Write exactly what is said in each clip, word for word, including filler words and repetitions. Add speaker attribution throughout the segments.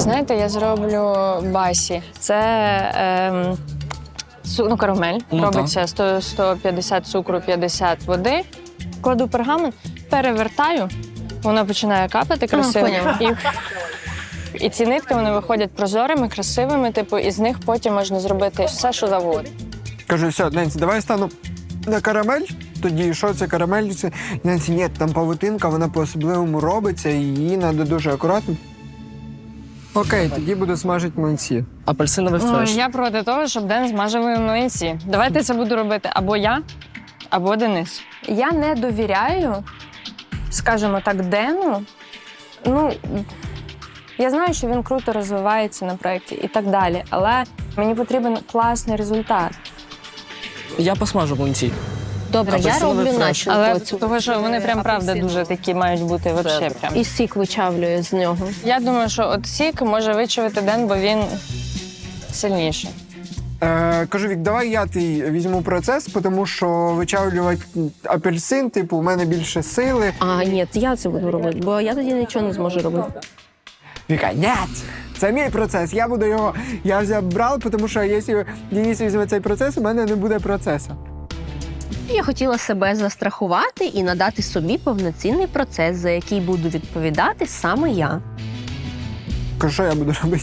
Speaker 1: Знаєте, я зроблю басі. Це ем, цу- ну, карамель.
Speaker 2: Ну,
Speaker 1: Робиться сто, сто п'ятдесят цукру, п'ятдесят води. Кладу пергамент, перевертаю, воно починає капати красиво.
Speaker 3: поняла.
Speaker 1: І, і ці нитки вони виходять прозорими, красивими, типу, і з них потім можна зробити все, що завгодно.
Speaker 4: Кажу, все, Ненсі, давай стану на карамель. Тоді, що це карамель? Це... Ненсі, ні, там павутинка, вона по-особливому робиться, і її треба дуже акуратно. Окей, тоді буду смажити млинці.
Speaker 2: Апельсиновий
Speaker 1: Ой,
Speaker 2: фреш.
Speaker 1: я проти того, щоб Ден змажив млинці. Давайте це буду робити або я, або Денис. Я не довіряю, скажімо так, Дену. Ну, я знаю, що він круто розвивається на проєкті і так далі, але мені потрібен класний результат.
Speaker 2: Я посмажу млинці.
Speaker 3: Добре, я
Speaker 2: Апельсиновий
Speaker 3: роблю
Speaker 2: фреш.
Speaker 3: начинку.
Speaker 1: Але
Speaker 3: оцю.
Speaker 1: того, що вони прям правда дуже такі мають бути вообще прям.
Speaker 3: І сік вичавлюю з нього.
Speaker 1: Я думаю, що от сік може вичавити Ден, бо він сильніший.
Speaker 4: Е, кажу, Вік, давай я ти візьму процес, тому що вичавлювати апельсин, типу, у мене більше сили.
Speaker 3: А, ні, я це буду робити, бо я тоді нічого не зможу робити.
Speaker 4: Віка, ні, це мій процес, я буду його, я взяв брав, тому що якщо Денис візьме цей процес, у мене не буде процесу.
Speaker 3: Я хотіла себе застрахувати і надати собі повноцінний процес, за який буду відповідати саме я.
Speaker 4: Кажу, що я буду робити?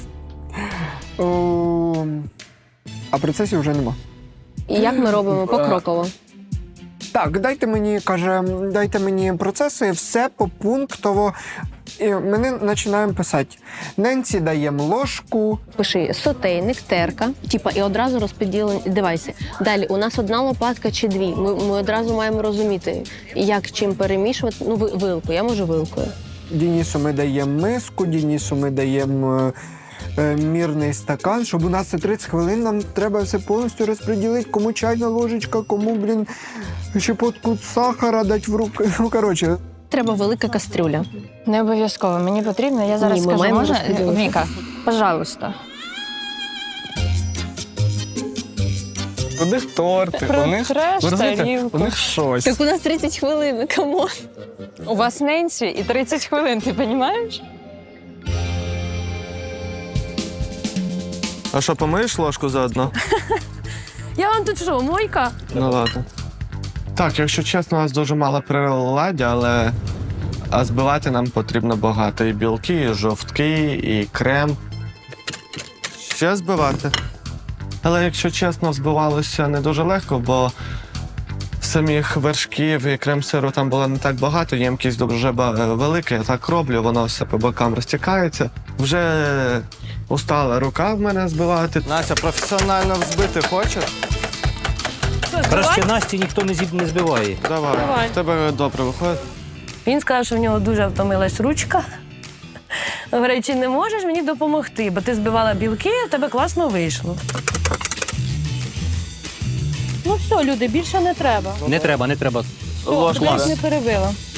Speaker 4: О, а процесів вже нема.
Speaker 3: І як ми робимо покроково.
Speaker 4: Так, дайте мені, каже, дайте мені процеси, все попунктово. І ми починаємо писати. Ненсі даємо ложку.
Speaker 3: Пиши сотейник, терка, типа, і одразу розподілені девайси. Далі, у нас одна лопатка чи дві. Ми, ми одразу маємо розуміти, як чим перемішувати. Ну, ви- вилку, я можу вилкою.
Speaker 4: Денису ми даємо миску, Денису ми даємо е, е, мірний стакан, щоб у нас це тридцять хвилин, нам треба все повністю розподілити, кому чайна ложечка, кому, блін, щепотку сахара дати в руки. Ну, коротше.
Speaker 3: Треба велика кастрюля.
Speaker 1: Не обов'язково, мені потрібно. Я зараз
Speaker 3: Ні, ми
Speaker 1: скажу,
Speaker 3: маємо
Speaker 1: можна?
Speaker 3: розподілити.
Speaker 1: Віка, пожалуйста.
Speaker 2: У них торти,
Speaker 1: Про
Speaker 2: у них,
Speaker 1: треш,
Speaker 2: ви розумієте,
Speaker 1: тарілку.
Speaker 2: у них щось.
Speaker 3: Так у нас тридцять хвилин, камон.
Speaker 1: У вас Ненсі і тридцять хвилин, ти розумієш?
Speaker 5: А що, помиєш ложку заодно?
Speaker 3: Я вам тут що, мойка?
Speaker 5: Ну ладно. Так, якщо чесно, у нас дуже мало приладдя, але а збивати нам потрібно багато. І білки, і жовтки, і крем. Ще збивати. Але якщо чесно, збивалося не дуже легко, бо самих вершків і крем-сиру там було не так багато, ємкість дуже ба- велика, я так роблю, воно все по бокам розтікається. Вже устала рука в мене збивати. Настя, професіонально взбити хочеш?
Speaker 6: Краще Насті ніхто не зіб не збиває.
Speaker 5: Давай.
Speaker 1: Давай.
Speaker 5: В тебе добре виходить.
Speaker 7: Він сказав, що в нього дуже втомилась ручка. Говорить, чи не можеш мені допомогти, бо ти збивала білки, а в тебе класно вийшло. Ну все, люди, більше не треба.
Speaker 6: Не треба, не треба.
Speaker 7: Все,
Speaker 5: Ложку.
Speaker 7: тебе ж не перебила.